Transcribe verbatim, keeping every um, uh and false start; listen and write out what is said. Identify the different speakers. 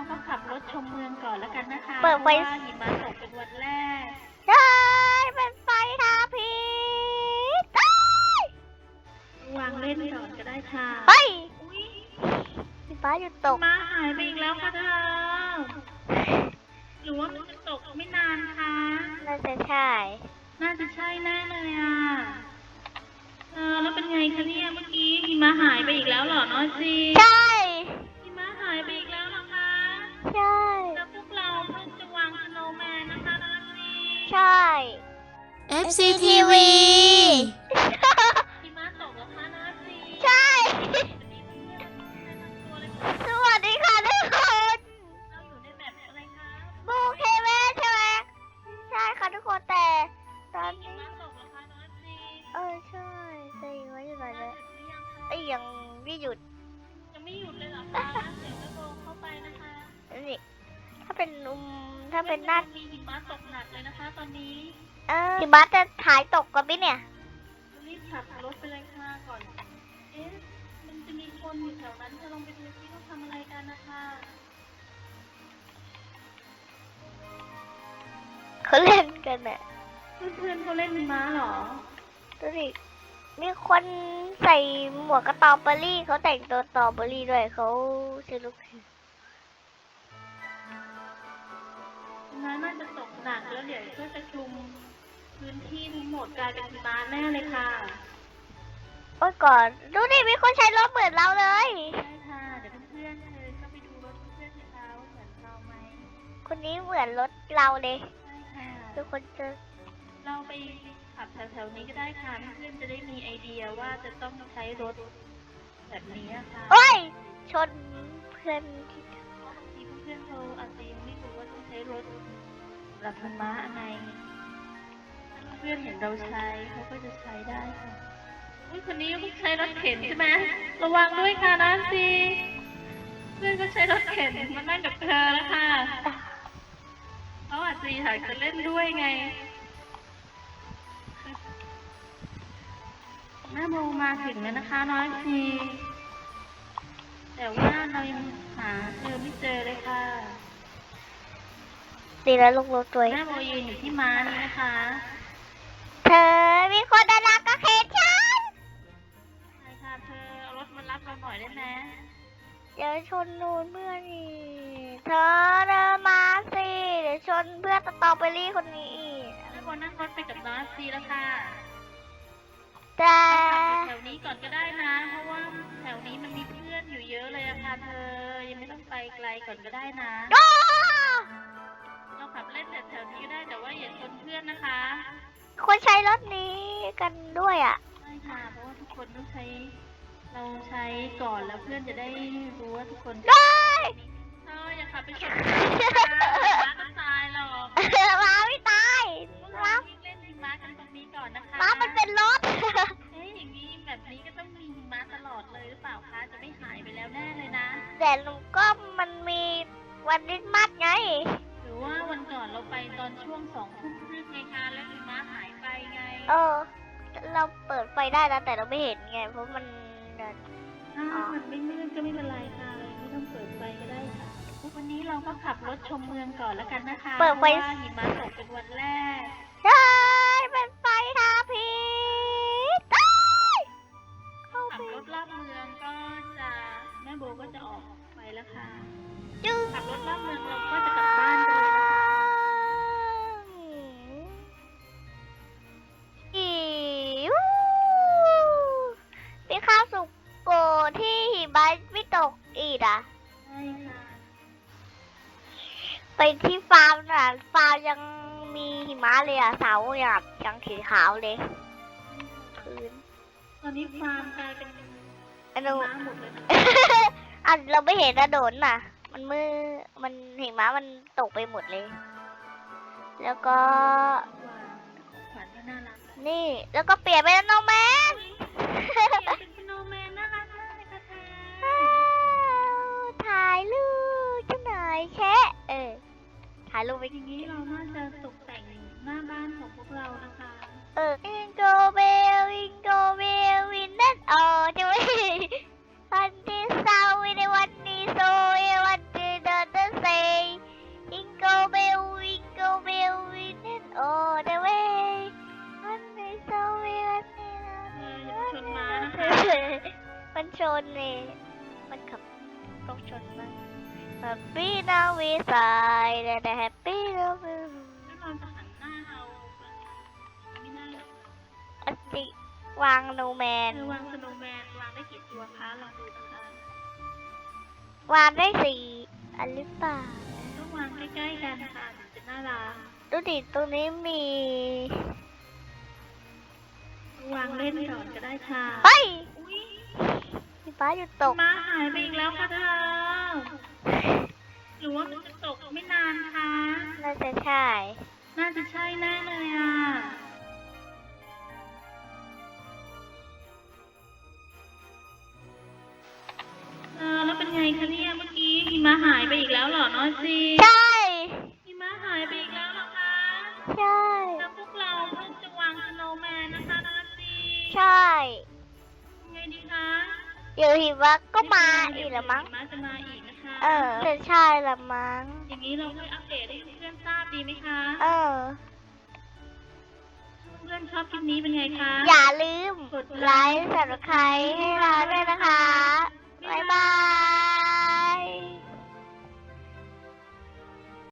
Speaker 1: ก็ขับรถชมเมืองก่อนแล้วกันนะคะ
Speaker 2: เปิดไฟ
Speaker 1: พราะว่าหิมะตกเป็นวันแรก
Speaker 2: ใช่เป็นไฟทาพิษ
Speaker 1: วางเล่นก่อนก็ได้ค่ะ
Speaker 2: เฮ้ย
Speaker 1: อุ๊ย
Speaker 2: พี่ฟ้าหยุดตก
Speaker 1: หิมะหายไปอีกแล้วค่ะเธอหรือว่ามันจะตกไม่นานคะ
Speaker 2: น่าจะใช่
Speaker 1: น่าจะใช่แน่เลยอ่ะเออแล้วเป็นไงคะเนี่ยเมื่อกี้หิมะหายไปอีกแล้วเหรอน้อยซี
Speaker 2: ใช่
Speaker 1: หิมะหายไปอีกแล้วเหรอคะ
Speaker 2: ใช่
Speaker 1: แล้วพวกเราเพิ่งจะวางสโนว์แมนนะคะน้อยซี
Speaker 2: ใช่
Speaker 3: เอฟ ซี ที วี
Speaker 1: หิมะตกแล้วคะน้อยซี
Speaker 2: ใช่
Speaker 1: ตัวเลยค่ะ
Speaker 2: สวัสดีค่ะทุกคน
Speaker 1: เราอยู่ในแบบอะไรคะ
Speaker 2: บูเคเวใช่ไหมใช่ค่ะทุกคนแต่ตอน
Speaker 1: หิ
Speaker 2: นี้
Speaker 1: มะตกแล้วคะน้อยซี
Speaker 2: เออใช่แต่ยังไม่หยุดเลย
Speaker 1: เสร็จหรือยังคะ
Speaker 2: ไอ้ยยังไม่หยุด
Speaker 1: ยังไม่หยุดเลยเหรอคะเดี๋ยวจะโดนเข้าไปนะคะ
Speaker 2: นี่ถ้าเป็นอุมถ้าเป็นหน้า
Speaker 1: มีหิมะตกหนักเลยนะคะ ตอนนี้
Speaker 2: เออหิมะจะหายตกกันไหมเนี่ย
Speaker 1: รีบขับรถไปเลยค่ะก่อน เอ๊ะ มันจะมีคนอยู่แถวนั้นจะลองไปดูซิว่าทำอะไรกันนะคะ
Speaker 2: เขาเล่นกันน่ะ
Speaker 1: เพื่อนๆเขาเล่นหิมะเหรอ
Speaker 2: ดูดิมีคนใส่หมวกกระตอเบอรี่เขาแต่งตัวตอเบอรี่ด้วยเขาชื่อลูก
Speaker 1: น้ำน่าจะตกหนักแล้วเดี๋ยวก็จะคลุมพื้นที่ทั้งหมดกลายเป็นหิมะแน่เลยค่ะ
Speaker 2: โอ้ยก่อนดูดิมีคนใช้รถเหมือนเราเลย
Speaker 1: ใช่ค่ะ เดี๋ยวเพื่อนๆเธอก็ไปดูรถเพื่อนๆสิคะว่าเหมือนเราไหม
Speaker 2: คนนี้เหมือนรถเราเลย
Speaker 1: ใช่ค่ะ
Speaker 2: ทุกคนจะ
Speaker 1: เราไปขับแถวๆนี้ก็ได้ค่ะเพื่อนๆจะได้มีไอเดียว่าจะต้องใช้รถแบบนี้ค่ะ
Speaker 2: โอ้ยชนเพื่อนที่
Speaker 1: เพราะบางทีเพื่อนๆเขาอาจจะยังไม่รู้ว่าต้องใช้รถแบบธรรมะไงถ้าเพื่อนๆเห็นเราใช้เขาก็จะใช้ได้ค่ะอุ้ยคนนี้เพิ่งใช้รถเข็นใช่ไหมระวังด้วยค่ะนะสิเพื่อนก็ใช้รถเข็นมานั่งกับเธอแล้วค่ะเขาอาจจะอยากจะเล่นด้วยไงแม่โมมาถึงแล้วนะคะน้อยซีแต่ว่าเรายังหาเธอไม่เจอเลยค่ะ
Speaker 2: ดีแล้วลูกรถตัว
Speaker 1: แม่โมยืนอยู่ที่ม้านี่นะคะ
Speaker 2: เธอมีคนดาราก็เห็นฉัน
Speaker 1: ใช่ค่ะเธอเอารถมารับเราหน่อยได้ไหม
Speaker 2: เดี๋ยวชนนูนเพื่อนอีกเธอเดินมาสิเดี๋ยวชนเพื่อนสตรอเบอรี่คนนี้อีก
Speaker 1: แม่โมนั่งรถไปกับน้อยซีแล้วค่ะ
Speaker 2: แต่
Speaker 1: ขับอยู่แถวนี้ก่อนก็ได้นะ เพราะว่าแถวนี้มันมีเพื่อนอยู่เยอะเลยอะค่ะเธอ ยังไม่ต้องไปไกลก่อนก็ได้นะ
Speaker 2: โอ้
Speaker 1: เราขับเล่นแต่แถวนี้ก็ได้แต่ว่าอย่าชนเพื่อนนะคะ
Speaker 2: คนใช้รถนี้กันด้วยอ่ะ
Speaker 1: ใช่ค่ะ เพราะว่าทุกคนต้องใช้ เราใช้ก่อนแล้วเพื่อนจะได้รู้ว่าทุกคน
Speaker 2: ได้
Speaker 1: เธออย่าขับไปชนเพื่อนนะคะม้าก็ตายหรอก
Speaker 2: ม้าไม่ตาย
Speaker 1: พวก
Speaker 2: ม้า
Speaker 1: เราวิ่งเล่นหิมะกันตรงนี้ก่อนนะคะ
Speaker 2: ม้ามันเป็นรถ
Speaker 1: เอ๊ะอย่างนี้แบบนี้ก็ต้องมีหิมะตลอดเลยหรือเปล่าคะ จะไม่หายไปแล้วแน่เลยนะ
Speaker 2: แต่หนูก็มันมีวันคริสต์มาสไง
Speaker 1: หรือว่าวันก่อนเราไปตอนช่วงสองทุ่มครึ่งไงคะแล้วหิมะหายไปไง
Speaker 2: เออ เราเปิดไฟได้นะแต่เราไม่เห็นไง เพราะมัน
Speaker 1: ถ้ามันไม่มืดก็ไม่เป็นไรค่ะไม่ต้องเปิดไฟก็ได้ค่ะวันนี้เราก็ขับรถชมเมืองก่อนแล้วกันนะคะ
Speaker 2: เปิดไฟ
Speaker 1: พราะว่าหิมะตกเป็นวันแรก
Speaker 2: ใช่เป็นไฟทาพิษได้เข้า
Speaker 1: ขั
Speaker 2: ไป
Speaker 1: บรถรอบเมืองก็จะแม่โบก็จะออกไปแล้วค่ะ
Speaker 2: จึง
Speaker 1: ขับรถรอบเมืองเราก็จะกลับบ้านกันเลยนะคะ
Speaker 2: อิวพี่ข้าวสุกโกที่หิมะไม่ตกอีกอ่ะ
Speaker 1: ใช่ค่ะ
Speaker 2: ไปที่ฟาร์มน่ะฟาร์มยังมีหิมะเลยอ่ะเสาแบบยังสีขาวเลยพื้น
Speaker 1: ตอนนี้ฟาร์มกลายเป็น
Speaker 2: อันนู้
Speaker 1: ม้าหมดเลยนะ
Speaker 2: อันเราไม่เห็นนะโดนน่ะ มันมือมันหิมะมันตกไปหมดเลย แล้วก็
Speaker 1: ขวัญก็น่ารัก
Speaker 2: นี่แล้วก็เปลี่ยนเป็นโนแมน
Speaker 1: เป็นสโนว์แมนน่ารักมากเลยค่ะเธอ
Speaker 2: ถ่ายรูปจังหน่อยแชะเออถ่ายรูปไป
Speaker 1: อย่างนี้เราน่าจะตกแต่งหน้าบ้านของพวกเรานะคะ
Speaker 2: เอออิงโกเบลอิงโกเบลวินนั่นเออจะไม่วันที่เศร้าในวันนี้โซเอวันที่เดินเดิน Happy now we side and happy now we
Speaker 1: แล้วเราจะหันหน้าเราไม่ได้หรอก
Speaker 2: อติวางโนแมน
Speaker 1: เธอวางสโนว์แมนวางได้กี่ตัวคะลองดูนะคะ
Speaker 2: วางได้สี่อันหรือเปล่า
Speaker 1: ต้องวางใกล้ๆกันค่ะถึงจะน่ารัก
Speaker 2: ดูดิตรงนี้มี
Speaker 1: วางเล่นก่อนก็ได้ค่ะ
Speaker 2: เฮ้ย
Speaker 1: อุ๊ย
Speaker 2: มีฟ้าอยู่ตก
Speaker 1: ม้าหายไปอีกแล้วค่ะเธอหรือว่ามันจะตกไม่นานคะ
Speaker 2: น่าจะใช่
Speaker 1: น่าจะใช่แน่เลยอ่ะเออแล้วเป็นไงคะเนี่ยเมื่อกี้หิมะหายไปอีกแล้วเหรอน้อยซี
Speaker 2: ใช่
Speaker 1: หิมะหายไปอีกแล้วเหรอคะ
Speaker 2: ใช่
Speaker 1: แล้วพวกเราเพิ่งจะวางสโนว์แมนนะคะน้อยซี
Speaker 2: ใช่
Speaker 1: ยังไงดีคะ
Speaker 2: เดี๋ยวหิมะก็มาอีกละมั้ง
Speaker 1: หิมะจะมาอีกนะคะ
Speaker 2: เออจะใช่ละมั้ง
Speaker 1: อย่างนี้เราค่อยอัปเดตให้เพื่อนๆทราบดีไหมคะ
Speaker 2: เออ
Speaker 1: เพื่อนๆชอบคลิปนี้เป็นไงคะ
Speaker 2: อย่าลืมกดไลค์สับสไครต์ให้เราด้วยนะคะ บ๊ายบาย